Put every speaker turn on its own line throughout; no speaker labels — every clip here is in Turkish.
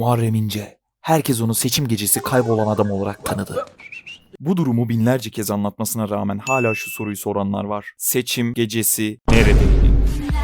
Muharrem İnce. Herkes onu seçim gecesi kaybolan adam olarak tanıdı. Bu durumu binlerce kez anlatmasına rağmen hala şu soruyu soranlar var. Seçim gecesi neredeydi?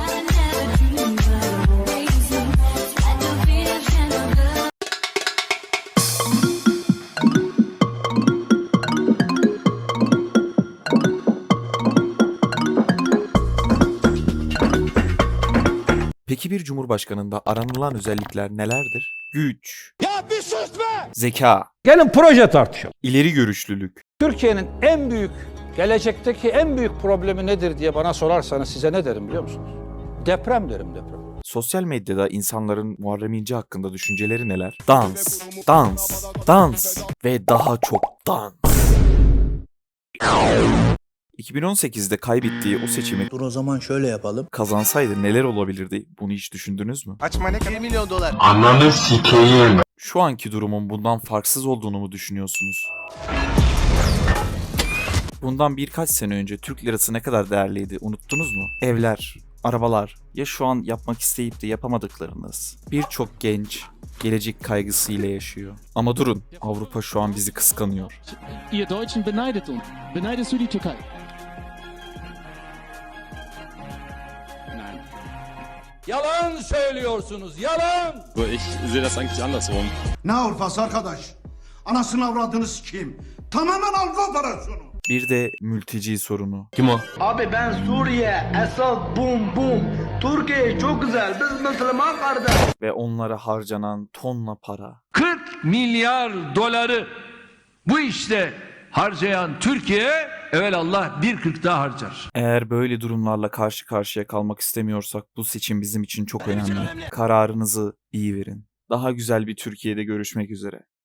Peki bir cumhurbaşkanında aranılan özellikler nelerdir? Güç,
Ya bir sus be!
zeka,
Gelin proje tartışalım.
ileri görüşlülük,
Türkiye'nin en büyük, gelecekteki en büyük problemi nedir diye bana sorarsanız size ne derim biliyor musunuz? Deprem derim, deprem.
sosyal medyada insanların Muharrem İnce hakkında düşünceleri neler? Dans, dans, dans ve daha çok dans. 2018'de kaybettiği o seçimi
Dur o zaman şöyle yapalım.
kazansaydı neler olabilirdi? Bunu hiç düşündünüz mü?
Açma ne 1 milyon dolar.
Ananı sikeyim.
Şu anki durumun bundan farksız olduğunu mu düşünüyorsunuz? Bundan birkaç sene önce Türk lirası ne kadar değerliydi unuttunuz mu? Evler, arabalar, ya şu an yapmak isteyip de yapamadıklarınız. Birçok genç gelecek kaygısıyla yaşıyor. Ama durun, Avrupa şu an bizi kıskanıyor.
Ihr Deutschen beneidet uns. Beneidest du die Türkei? Nein.
Yalan söylüyorsunuz, yalan!
Ich sehe das eigentlich andersrum.
Ne Avrupası arkadaş? Anasını avradını sikeyim. Tamamen Avrupa operasyonu.
Bir de mülteci sorunu.
Kim o?
Abi ben Suriye, Esad, bum bum. Türkiye çok güzel, biz Müslüman kardeş.
Ve onlara harcanan tonla para.
40 milyar doları bu işte harcayan Türkiye evelallah 1,40 daha harcar.
Eğer böyle durumlarla karşı karşıya kalmak istemiyorsak bu seçim bizim için çok önemli. Kararınızı iyi verin. Daha güzel bir Türkiye'de görüşmek üzere.